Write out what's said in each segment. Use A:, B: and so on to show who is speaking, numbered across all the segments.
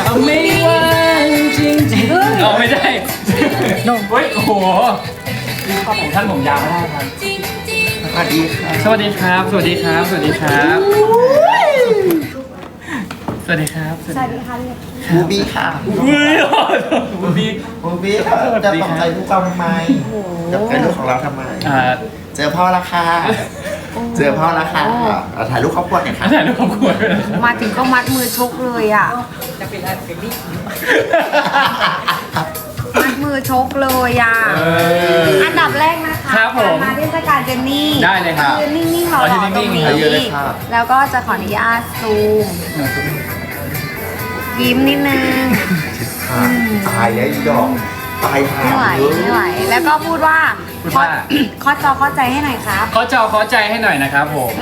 A: ไม่ว่างจริงๆไม่ใช่เฮ้ยโอ้โหท่านผมยาวไม่ได้ครับ
B: สวัสดีค่ะ
A: สวัสดีครับ สวัสดีครับ สวัสดีครับ สวัสดีครับ
C: สวัสดีค่ะ
B: บูบี้ค่ะ
A: อุ้ยบูบี้
B: บูบี้ค่ะจะตกใจลูกเราทำไมจะตกใจลูกของเราทำไม เจอพ่อละค่ะเจอพ่อละค่ะถ่ายรูปครอบครัวหน่อยค่ะ
A: ถ่ายรูปครอบครัวด้วยนะครับ
C: มาถึงก็มัดมือชกเลยอ่ะมัดมือชกเลยอ่ะอันดับแรกนะคะ
A: ครับผม
C: มาเทศกาลเจนนี่
A: ได้เลยครับ
C: ยืนนิ่งๆรอ
A: ยืน
C: ต
A: นิ่
C: รง
A: งๆ
C: นี้
B: ยืนเลยค่ะ
C: แล้วก็จะขออนุญาตซูมยิ้มนิดนึง
B: ตายแล้วอีดอกตายหา
C: ไม่ไหว
B: เยอะ
C: ไม่ไหว แล้วก็พูดว่า
A: พูดว่า
C: ข้อจอเข้าใจให้หน่อยครับ
A: ขอจอขอใจให้หน่อยนะครับผม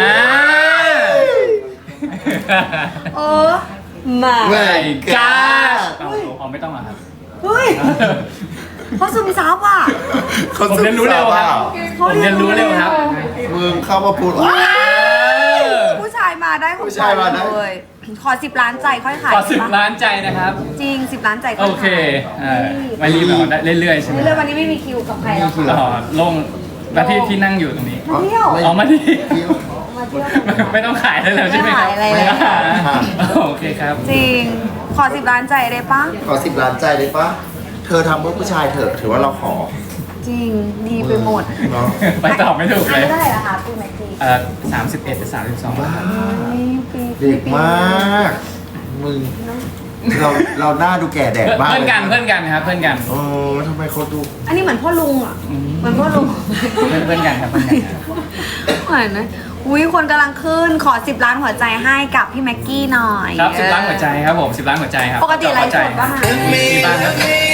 C: เออมา
B: เว้ย
A: ก้าเอาไม่ต้องอ่ะครับ
C: เฮ้ยเขาซึมซับอ่ะ
A: ผมเรียนรู้เร็วครับ ผมเรียนรู้เร็วครับ
B: มึงเข้ามาพูด
C: ผู้ชายมาได้ผม
B: ผู้ชายมาได้
C: เลยขอ10 ล้านใจค่อยขาย
A: ขอ
C: ได้ปะ
A: 10 ล้านใจนะครับ
C: จริง10 ล้านใจค่
A: โอ
C: อย
A: เค
C: ขาย
A: ไม่รีบเอาได้เรื่อยๆใช่ไหม
C: เรื่องวันนี้ไม่มีคิวกับใครแล้วค่ะ
A: ลงแล้วที่นั่งอยู่ตรงนี้
C: มาเที่ยว
A: เอามาที่
C: มาเที่ยว
A: ไม่ต้องขายได้แล้วใช่ไหมครับ
C: ไม่ขายอะไรแล้ว
A: โอเคครับ
C: จริงขอ10 ล้านใจได้ปะ
B: ขอ10 ล้านใจได้ปะเธอทำเพื่อผู้ชายเถอะถือว่าเราขอ
C: จริงดีไปหมด
B: เนาะ
A: ไปตอบไม่ถูก
C: อัน
A: เลย
C: นี้เท่าไหร่ละคะปีแม็กซี่
A: 31หรือ32ครับ
B: เด็กมาก มึง เราหน้าดูแก่แดดมาก
A: เพื่อนกันครับเพื่อนกัน
B: เออทำไมเขาดู
C: อันนี้เหมือนพ่อลุงอ่ะเหมือนพ่อลุง
A: เพื่อนกันครับเพื่อนกันครับ
C: เหมือนนะอุ้ยคนกำลังขึ้นขอ10 ล้านหัวใจให้กับพี่แม็กกี้หน่อย
A: ครับ10 ล้านหัวใจครับผม10 ล้านหัวใจครับ
C: ปกติไลฟ์สดป่ะคะ
A: มีบ้างครับ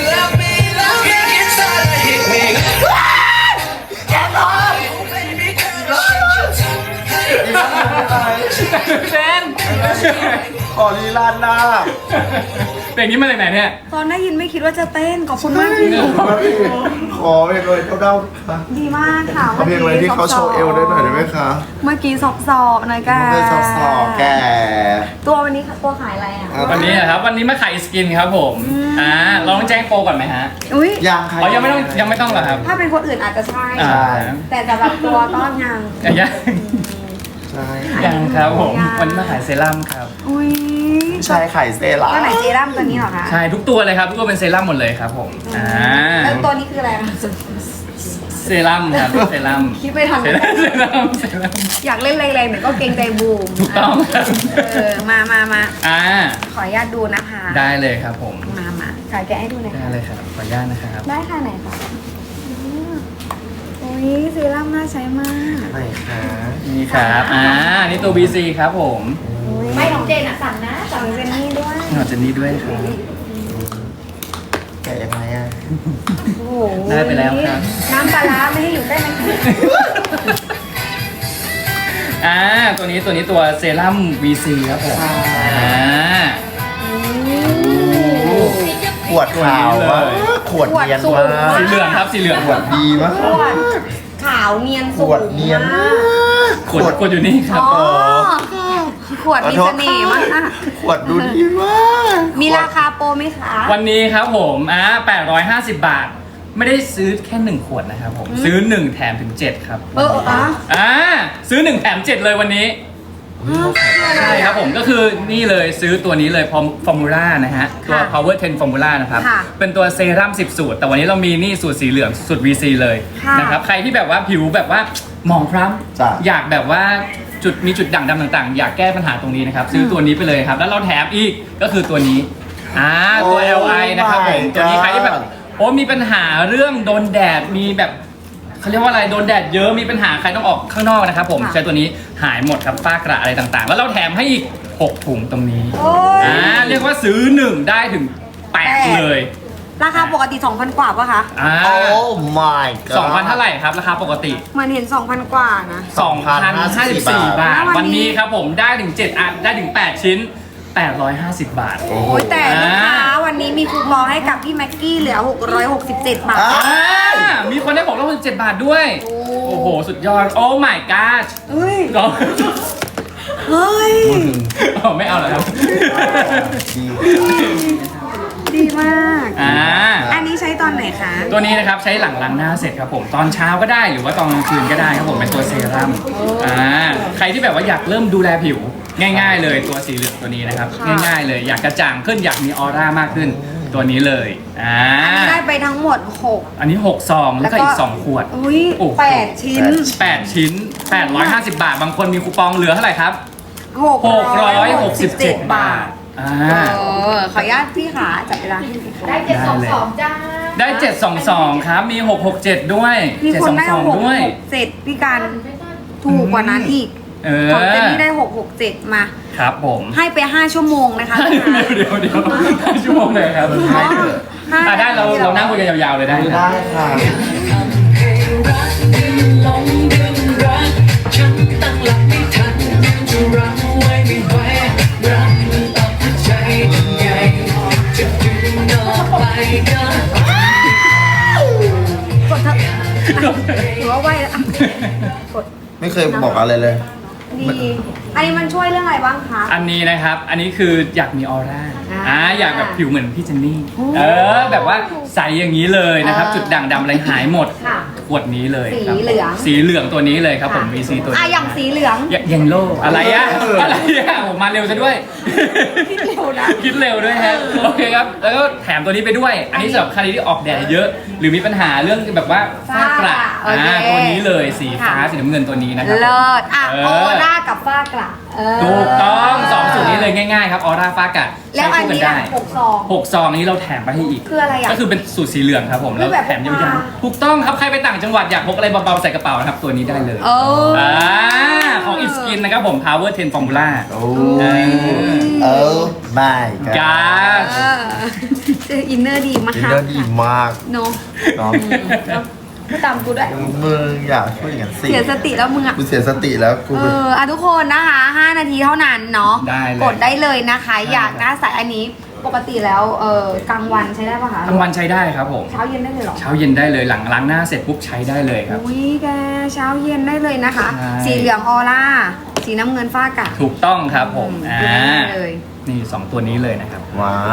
A: เซน
B: ขอลีลานหน้า
A: เพลงนี้มาจากไหนเนี่ย
C: ตอนได้ยินไม่คิดว่าจะเต้นขอบคุณมาก
B: ขอเพลงเลยเด้าๆค่ะ
C: ดีมากค่ะ
B: ขอเพลงอะไรที่เขาโชว์เอวได้หน่อยได้ไหมคะ
C: เมื่อกี้สอบๆหน่อยแก
B: ไม่สอบแก
C: ตัววันนี้ตัวขายอะไรอ่ะ
A: วันนี้นะครับวันนี้มาขายสกินครับผมลองแจ้งโปรก่อนไหมฮะ
C: อุ้ย
B: ยังค่ะ
A: อ๋อยังไม่ต้องเหรอครับ
C: ถ้าเป็นคนอื่นอาจจะใช่
A: อ่า
C: แต่สำหรับตัวก็ยัง
A: ยัง
B: ใช่
A: ยังครับผมวันนี้มาขายเซรั่มครับ
C: อุ้ย
B: ใช่ไข่เซรั่ม
C: ตัวไหนเซรั่มตัวนี้เหรอคะ
A: ใช่ทุกตัวเลยครับทุกตัวเป็นเซรั่มหมดเลยครับผม
C: แล้วตัวนี้คืออะไรคะ
A: เซรั่มครับเซรั่ม
C: คิดไม่ทัน
A: เซรั่ม
C: อยากเล่นแรงๆแต่ก็เกรงใจบูม
A: ถูกต้องครับ
C: มา
A: อ่า
C: ขออนุญาตดูนะคะ
A: ได้เลยครับผม
C: มาถ่ายแกะให้ดูหน่อย
A: ได้
C: ค่ะ
A: เลยครับขออนุญาตนะครับ
C: ได้ค่ะไหนคะอุ้ยเซรั่มน่าใช้มาก
B: ไหนคะ
A: นี่ครับนี่ตัว BC ครับผม
C: ไม่ของเจนอ่ะสั่งนะสั่งเจนนี่ด้วย
A: หนอดเจนนี่ด้วยครับ
B: แกะยังไงอ่ะ
C: โอ้โห
A: ได้ไปแล้วครับ
C: น้ำปลาร้าไม่ให้อยู่ใกล้มัน
A: ตัวนี้ตัวเซรั่ม VC ครับผม
B: ขวดขาวมากขวดเนียนมาก
A: สีเหลืองครับสีเหลือง
B: ขวดดีมาก
C: ขวดขาวเนียน
B: ข
C: สูง
B: วดเนียน
C: มาก
A: ขวดอยู่นี่ครับ
C: อ๋อขวดมีเสน่ห์มาก
B: ขวดดูดีมาก
C: มีราคาโปรไหมคะ
A: วันนี้ครับผม850 บาท ไม่ได้ซื้อแค่1ขวดนะครับผมซื้อ1แถมถึง7ครับซื้อ1แถม7เลยวันนี้ใช่ครับผมก็คือนี่เลยซื้อตัวนี้เลยฟอร์มูล่านะฮะตัว power 10 formula นะครับเป็นตัวเซรั่ม10 สูตรแต่วันนี้เรามีนี่สูตรสีเหลืองสูตร VC เลยนะครับใครที่แบบว่าผิวแบบว่าหมองคล้ำอยากแบบว่ามีจุดด่างดำต่างๆ อยากแก้ปัญหาตรงนี้นะครับซื้อตัวนี้ไปเลยครับแล้วเราแถมอีกก็คือตัวนี้ตัว LI นะครับผมตัวนี้ใครที่แบบมีปัญหาเรื่องโดนแดดมีแบบเขาเรียกว่าอะไรโดนแดดเยอะมีปัญหาใครต้องออกข้างนอกนะครับผมใช้ตัวนี้หายหมดครับฝ้ากระอะไรต่างๆ แล้วเราแถมให้อีก6ถุงตรงนี้เรียกว่าซื้อ1ได้ถึง8เลย
C: ราคาปกติ 2,000 กว่าป่ะคะ
B: โอ้ my god
A: 2,000เท่าไหร่ครับราคาปกติ
C: เหมือนเห็น 2,000 กว่านะ
A: 2,054 บาทวันนี้ครับผมได้ถึง7อันได้ถึง8ชิ้น850 บาท
C: โอ้ยแต่ลูกค้าวันนี้มีคูปองให้กับพี่แม็กกี้เหลือ667 บาท
A: มีคนได้667 บาทด้วยโอ้โหสุดยอดโอ้ my god
C: เฮ้ยเฮ้ย
A: อ๋อไม่เอาเหรอครับ
B: ดี
C: ดีมาก อันนี้ใช้ตอนไหนคะ
A: ตัวนี้นะครับใช้หลังล้างหน้าเสร็จครับผมตอนเช้าก็ได้หรือว่าตอนกลางคืนก็ได้ครับผมเป็นตัวเซรั่มใครที่แบบว่าอยากเริ่มดูแลผิวง่ายๆเลยตัวสีเหลืองตัวนี้นะครับ
C: ค่ะ
A: ง่ายๆเลยอยากกระจ่างขึ้นอยากมีออร่ามากขึ้นตัวนี้เลย
C: อันนี้ได้ไปทั้งหมด
A: อันนี้6ซองแล้วก็อีก2ขวด
C: อุ้ย
A: โอ้โห
C: 8 ชิ้น
A: 8 ชิ้น 850 บาท บางคนมีคูปองเหลือเท่าไหร่ครับ
C: 667 บาท ขออนุญาตพี่ขาจับเวลาให้พี่ขา
D: ได้722จ้า
A: ได้ 722 ครับ มี 667 ด้วย
C: มีคนได้
A: 722 ด้วย
C: 667พี่การถูกกว่านั้นอีก ของเจนนี่ได้ 667 มา
A: ครับผม
C: ให้ไป 5 ชั่วโมงนะคะ
A: เดี๋ยวชั่วโมงเลยครับ
B: ให้เถอะ
A: ได้เรานั่งคุยกันยาวๆเลยได้
B: ได้ค่ะ
E: ฉันตั้งหลักไม่ทันจะรั้งไว้ไม่ไหวรักมันออกหัวใจยังไงจะดึงออกไปก็
C: กดเถอะหรือว่าไหวแล้วกด
B: ไม่เคยบอกอะไรเลย
C: ดี อันนี้มันช่วยเรื่องอะไรบ้างคะ
A: อันนี้นะครับ อันนี้คืออยากมีออร่า อยากแบบผิวเหมือนพี่เจนนี่
C: โอ้
A: แบบว่าใสอย่างนี้เลยนะครับ จุดด่างดำอะไรหายหมด
C: ค่ะ
A: ขวดนี้เลยครับ
C: สีเหลือง
A: สีเหลืองตัวนี้เลยครับผม VC ตัวนี้
C: อย่างสีเหลือง
A: ยังโลอะไรอะอะไรอะผมมาเร็วซะด้วย
C: คิดเร็วนะ
A: คิดเร็วด้วยฮะโอเคครับ แล้วก็แถมตัวนี้ไปด้วย อันนี้สำหรับใครที่ออกแดดเยอะ หรือมีปัญหาเรื่องแบบว่าฝ้ากระ
C: โอเค
A: ตัวนี้เลยสีฟ้า
C: ค่ะ
A: สีน้ำเงินตัวนี้นะครับ
C: เลิศ
A: เออ
C: ออร่ากับฝ้ากระเ
A: ถูกต้อง2สูตรนี้เลยง่ายๆครับออร่าฟ้ากระ
C: แล้วอัน
A: ใช้คู่
C: นี้
A: กัได้
C: 6 ซอง
A: 6 ซองนี้เราแถมไปให้อีก
C: คืออะไรอ่ะ
A: ก็คือเป็นสูตรสีเหลืองครับผม แล้ว
C: แบบ
A: แถม
C: พก
A: ยา
C: พา
A: วๆถูกต้องครับ ใครไปต่างจังหวัดอยากพกอะไรเบาๆใส่กระเป๋านะครับ ตัวนี้ได้เลย
C: โอ้
A: ของ It Skin นะครับผม Power 10 Formula
B: โอ้
A: เออ
B: ไม่กัน
A: กา
C: อินเนอร์ดีมาก
B: อินเนอร์ดีมาก
C: เนาะ
B: เนาะ
C: พูดตามกูด้วย
B: มึงอยากช่วยอย่างนั้นสิ
C: เสียสติแล้วมึงอ่ะ
B: กูเสียสติแล้วกู
C: ทุกคนนะคะ 5 นาทีเท่านั้นเนาะ
A: ได้เลย
C: กดได้เลยนะคะ อยากหน้าใสอันนี้ ปกติแล้วกลางวันใช้ได้ปะคะ
A: ทั้งวันใช้ได้ครับผม
C: เช้าเย็นได้เลยเหรอ
A: เช้าเย็นได้เลยหลังล้างหน้าเสร็จปุ๊บใช้ได้เลยครับ
C: อุ้ยแกเช้าเย็นได้เลยนะคะ
A: ใช่
C: สีเหลืองออร่า สีน้ำเงินฟ้ากะ
A: ถูกต้องครับผม
C: ได้เลย
A: นี่2ตัวนี้เลยนะครับ
B: ว้าว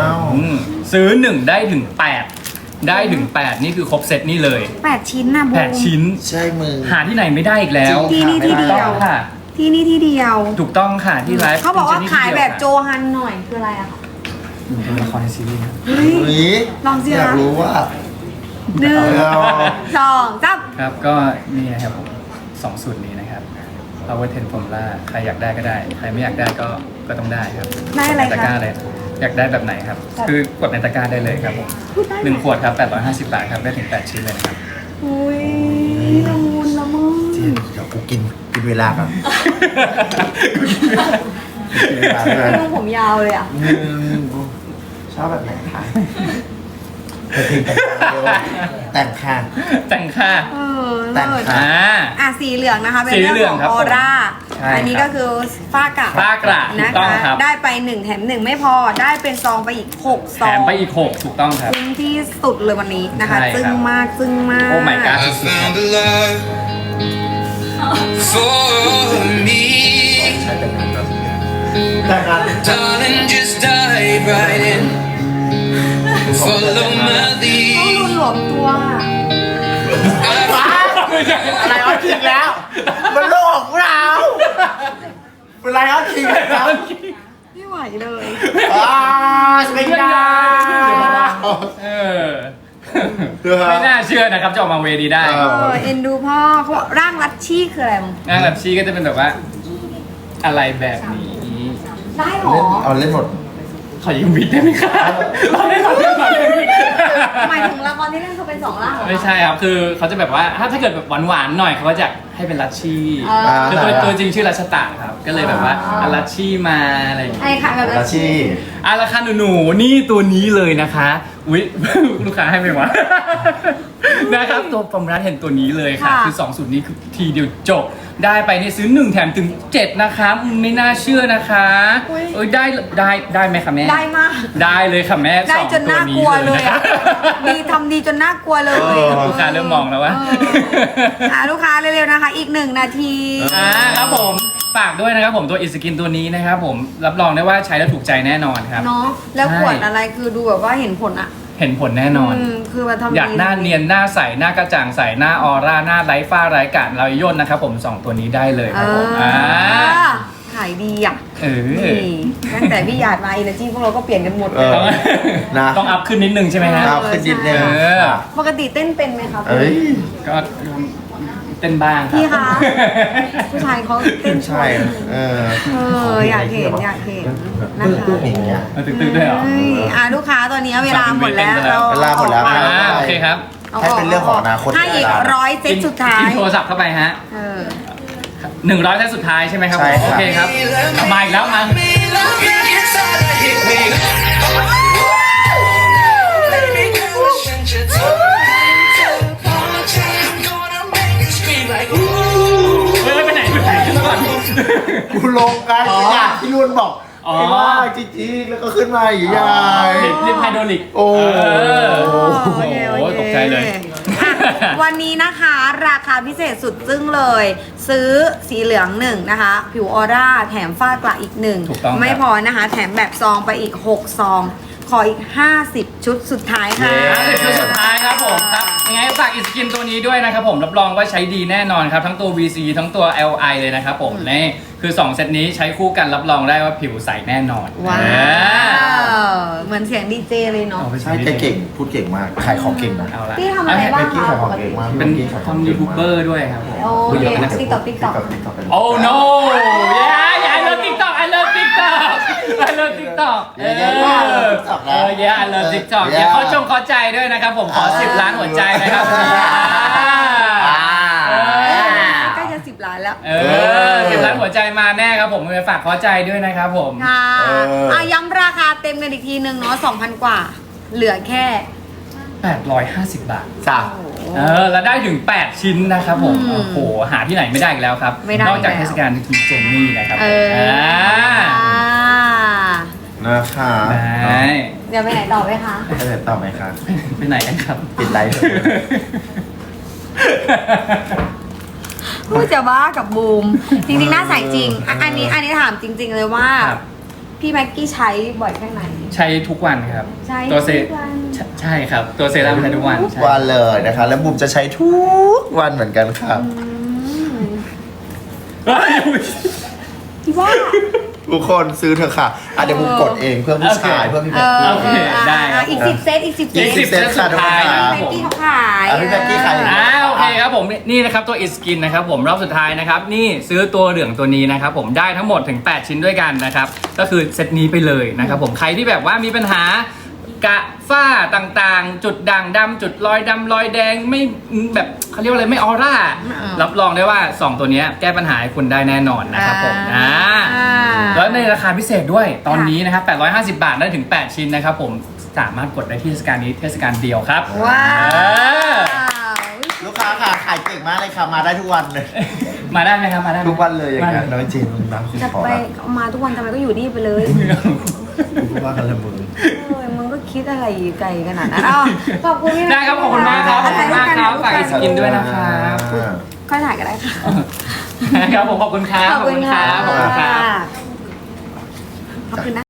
A: ซื้อ 1 ได้ถึง 8 ได้ถึง 8 นี่คือครบเซตนี่เลย
C: 8 ชิ้นนะบูม
A: 8 ชิ้น
B: ใช่มึง
A: หาที่ไหนไม่ได้อีกแล้ว
C: ที่นี่ที่เดียว
A: ถูกต้องค่ะ
C: ที่นี่ที่เดียว
A: ถูกต้องค่ะที่ไลฟ์
C: เขาบอกว่า
A: ที่
C: ขายแบบโจ
A: เดีว
C: ฮันหน่อยคืออะไรอะคะ
A: ค่ะเป็นละครในซีรีส์ครับ
C: เฮ้ย
B: อุ๊ย
C: ลองสิ
B: อยาก
C: คะ
B: รู้ว่า
C: หนึ่ง
B: เอา
C: สองสาม
A: ครับก็นี่นะครับผม2สูตรนี้นะครับ Power 10 Formula ใครอยากได้ก็ได้ ใครไม่อยากได้ก็ต้องได้ครับ
C: ได้อะไร
A: ตะกร้า
C: คะ
A: เลยอยากได้แบบไหนครับ คือกดในตะกร้าได้เลยครับผม1 ขวดครับ 850 บาทครับ ได้ถึง 8 ชิ้นเลยนะครับ
C: อุ้ยละมุนละมุน
B: เดี๋ยวกูกินเวลาก่อนกินเวลาด้วย
C: ลุงผมยาวเลยอะ
B: ชอบแบบไหนคะแต่งค่ะ
A: แต่งค่ะ
B: แต่ง
C: เลิศ
B: ค่ะ
C: สีเหลืองนะคะเป็น
A: สี
C: เรื่อง
A: เหลือง
C: ของ
A: ครับ
C: ออร่า
A: ใช่
C: อันนี้
A: ครั
C: ก็
A: บ
C: คือฝ้ากระ
A: ฝ้ากระถู
C: นะ
A: กต้อง
C: คะ
A: ครับ
C: ได้ไป1แถม1ไม่พอได้เป็นซองไปอีก6
A: แถ
C: ซอง
A: มไปอีก 6 ถูกต้องครับ
C: คุ้มที่สุดเลยวันนี้นะคะ
A: ใช่ครับ
C: ซึ้งมากซึ้งมาก
A: โอ้ my god
E: I found a love for me.
B: แต่งงาน
E: Darling, just dive right in. Follow my
C: ต้อง
E: lead.
C: รุนหลวมตัว
B: อะไรเอาจริงแล้ว มันโลกของเราเป็นไรเอาจริงแล้ว
C: ไม่ไหวเลย
B: สเปนดา
A: เออ ไม่น่าเชื่อนะครับจะออกมาเวดีได้
C: เอ็นดูพ่อเขาบอกร่างรัดชี่คืออะไรมึง
A: งานแบบชีก็จะเป็นแบบว่า อะไรแบบนี้
C: ได้หรอ
B: เอาเล่นหมด
A: ขอยืมวิกได้ไหมครับเราได้เราได้เราได้
C: หมายถึงละครที่เล่นเขาเป็น2ร่างเหรอ
A: ไม่ใช่ครับ คือเขาจะแบบว่าถ้าเกิดแบบหวานๆหน่อยเขาก็จะให้เป็นลัชชี่
C: อ่า
A: คือตัวจริงชื่อรัชตะครับ ก็เลยแบบว่าเอาลัชชี่มาอะไรอย่างเงี้ย
C: ไอ้ค่ะแบบ
B: ราชี
A: ราคาหนูๆนี่ตัวนี้เลยนะคะ อุ๊ย ลูกค้าให้ไหมวะ นะครับตัวฟอร์มรัสเห็นตัวนี้เลยค่ะ คือ2สูตรนี้คือทีเดียวจบ ได้ไปนี่ซื้อ1แถมถึง7นะคะไม่น่าเชื่อนะคะเอ้ยได้ไหมคะแม่
C: ได้มาก
A: ได้เลยค่ะแม่
C: ได้
A: สอง
C: จนน่ากลัวเลย
A: นะ
C: อะ
A: คะ
C: ดีทำดีจนน่ากลัวเลย
A: ลูกค้าเริ่มมองแล้วว่า
C: ลูกค้าเร็วๆนะคะ อีก1 นาที
A: ครับผมฝฝากด้วยนะครับผมตัวอิสกินตัวนี้นะครับผมรับรองได้ว่าใช้แล้วถูกใจแน่นอนครับ
C: เนาะแล้ว
A: ใช่
C: ขวดอะไรคือดูแบบว่าเห็นผลอะ
A: เห็นผลแน่นอน
C: คือมาทำดี
A: อยากหน้าเนียนหน้าใสหน้ากระจ่างใสหน้าออร่าหน้าไร้ฝ้าไร้กาดเราย่นนะครับผม2ตัวนี้ได้เลยครับผม
C: ขายดีอ่ะ
A: นี่
C: ตั้งแต่พี่หยาดมา Energy พวกเราก็เปลี่ยนกันหมด
B: เออ นะ
A: ต้องอัพขึ้นนิดนึงใช่ไหมฮะ
B: เอาขึ้นนิดนึง
A: เออ
C: ปกติเต้นเป็นไหมคะ
B: เอ้ย
A: ก็เต้นบ้างรับ
C: พี่คะผู้ชายเขาเต้น
B: ใช่เออ
C: อยากเห็นอยากเห็นนะคะ
B: ตึ้งๆอย่างเงี้ย
A: เอาตึกๆด้วยเหรอ
C: เฮ้ยลูกค้าตอนนี้เวลาหมดแล้ว
B: เวลาหมดแล้ว
A: โอเคครับ
B: ให้เป็นเรื่องของอนาคต
C: ให้อีก100 เซตสุดท้าย
A: กินโทรศัพท์เข้าไปฮะ 100เซตสุดท้ายใช่ไหมครับ
B: ใช่ครับ
A: โอเคครับมาอีกแล้วมา เฮ้ยไปไหนขึ้นมาก่อน
B: กูลงกัน
A: อ๋อ
B: อยากที่นุ่นบอก
A: อ๋อ
B: ไอ้ว่าจริงๆแล้วก็ขึ้นมาอยู่ยาย
A: ลิฟต์ไฮโดรลิก
B: โอ้
A: โอ้โหตกใจเลย
C: อ่ะวันนี้นะคะราคาพิเศษสุดจึ้งเลย ซื้อสีเหลือง1นะคะ ผิวออร่าแถมฝ้ากระอีก
A: ถูกต้องครับ
C: 1ไม่พอนะคะ แถมแบบซองไปอีก6ซอง ขออีก50 ชุดสุดท้ายค่ะ
A: 50ชุดสุดท้ายครับผมครับยังไงฝากอิสกินตัวนี้ด้วยนะครับผมรับรองว่าใช้ดีแน่นอนครับทั้งตัว VC ทั้งตัว LI เลยนะครับผมนี่คือ2เซตนี้ใช้คู่กันรับรองได้ว่าผิวใสแน่นอน
C: ว้า
A: เออ
C: ว เหมือนเสียงดีเจเลยเนาะ
A: เอาไป
B: ใช่แกเก่งพูดเก่งมากขายของเก่งนะ
A: เอาละ
C: พี่ทำอะไรบ้าง
B: เมื่อกี้ขายของเก่งมาก
A: เป็นทำยูทูบเบอร์ด้วยครับผม
C: โอเคติ๊กต็อก
A: โอ้ no yeah I love TikTok I love TikTok I love TikTok เออ yeah I love TikTok อย่าขอใจด้วยนะครับผมขอ10 ล้านหัวใจนะครับ
C: ใกล้จะ10 ล้านแล้ว
A: 10 ล้านหัวใจมาแน่ครับผมฝากขอใจด้วยนะครับผม
C: ค่ะย้ำราคาเต็มกันอีกทีนึงเนาะ 2,000 กว่า เหลือแค่
A: 850 บาท
B: จ้ะ
A: แล้วได้ถึง 8 ชิ้นนะครับผม โอ้โห หาที่ไหนไม่ได้อีกแล้วครับ
C: ไม่ได้
A: นอกจาก
C: แล้ว
A: เทศกาลกินเจนนี่นะครับ
B: นะคะ
A: ได้
C: เดี๋ยวไปไหนต่อไหมคะ
B: จะเดินต่อไหมคะ
A: ไปไหนกันครับ
B: ปิดไลฟ์เถอะ
C: พูดจะบ้ากับบูม จริงๆ น่าใส่จริง อันนี้ถามจริง ๆ เลยว่า
A: ครับ
C: พี่แม็กกี้ใช้บ่อยแค่ไหน
A: ใช้ทุกวันครับ
C: ใช้
A: ตัวเซ
C: ทุกวัน
A: ใช่ครับ ตัวเซรั่มใช้ทุกวัน
B: ทุก
A: ใช่
B: วันเลยนะคะ แล้วบุมจะใช้ทุกวันเหมือนกันครับ
A: เฮ้ย
C: พี่ว่า
B: ทุกคนซื้อเถอะค่ะเดี๋ยวบุมกดเองเพื่อผู้ชายเพื่อพี่แม็กกี้
A: โอเคได้ครับ
C: อีก 10 เซตอีก 10 เซ
A: อีก
C: ต
A: 10 เซตสุดท้ายนะครับ
C: แม็ก
A: ผม
C: กี้เขาขาย
B: พี่แม็กกี้ขาย
A: โอเคครับผมนี่นะครับตัว It Skin นะครับผมรอบสุดท้ายนะครับนี่ซื้อตัวเหลืองตัวนี้นะครับผมได้ทั้งหมดถึง 8 ชิ้นด้วยกันนะครับก็คือเซตนี้ไปเลยนะครับผมใครที่แบบว่ามีปัญหากระฝ้าต่างๆ จุดด่างดำจุดรอยดำรอยแดงไม่แบบเขาเรียกว่าอะไรไม่ออร่ารับรองได้ว่า 2 ตัวนี้แก้ปัญหาให้คุณได้แน่นอนนะครับผมแล้วในราคาพิเศษด้วยตอนนี้นะครับ850 บาทได้ถึง 8 ชิ้นนะครับผมสามารถกดได้ที่เทศกาลนี้เทศกาลเดียวครับ
C: ว้าว
B: ลูกค้าค่ะขายเก่งมากเลยค่ะมาได้ทุกวันเลย
A: มาได้ไหมครับมาได้ไหม
B: ทุกวันเลยอย่างเงี้ยน้อยจริงนะคุณ
C: จะ
B: ขอ
C: ไป
B: ละ
C: เอามาทุกวันทำไมก็อยู่นี่ไปเลย
B: คุณว่ากันละมึง
C: มึงก็คิดอะไรไกลขนาดนั้นอ้าวขอบคุณพี่
A: ได้ครับขอบคุณมากครับขอบคุณมากครับฝากอิสกินด้วยนะครับ
C: ค่อยถ่ายก็ได้ค่ะ
A: ครับผมขอบคุณครับ
C: ขอบคุณค่ะ
A: ขอบคุณครับ
C: ขอบคุณนะ